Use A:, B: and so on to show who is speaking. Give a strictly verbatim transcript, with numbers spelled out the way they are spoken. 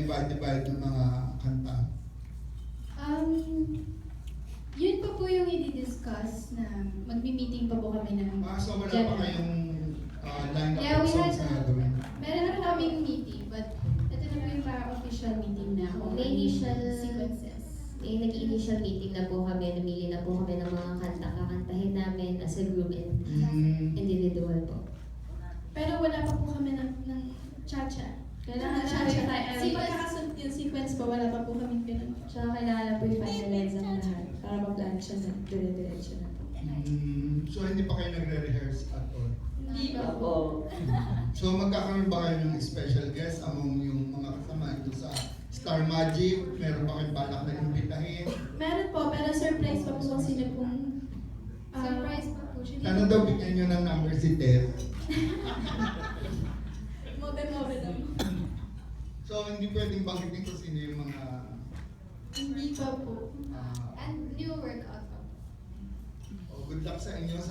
A: divide-divide ng mga kanta?
B: Um, yun pa po yung i-discuss na magmi-meeting pa po kami ng
A: Ah, so wala pa
B: General.
A: kayong uh, line-up
B: Yeah,
A: of
B: we
A: songs
B: had-
A: na gagawin?
B: Meron na kaming meeting, but ito na po yung parang official meeting na kung
C: May
B: ano yung
C: initial-
B: sequences.
C: Eh, nag-initial meeting na po kami, namili na po kami ng mga kanta kakantahin namin as a group and
A: Mm,
C: individual po.
B: Pero wala pa po kami ng, ng cha-cha. Kailangan cha-cha. Kasi pagkakasunod yung sequence pa, wala pa po kami ganun.
C: Tsaka kailangan po i-finalize ang lahat para ma-plancha na, dire-diretso na po.
A: mm, so hindi pa kayo nagre-rehearse at all?
B: Hindi pa po.
A: So magkakaroon ba kayo ng special guest among yung mga kasama ito sa Star Magic? Meron ba kayong balak na imbitahin?
B: Meron po, pero surprise pa po kung sino pong... ah,
D: Surprise pa po siya.
A: Sana daw bigyan nyo ng number si Ted.
B: Mobe-mobe lang.
A: So hindi pwedeng banggitin kung sino yung mga...
B: Hindi pa po.
A: ah,
D: And new workout pa po.
A: oh, good luck sa inyo.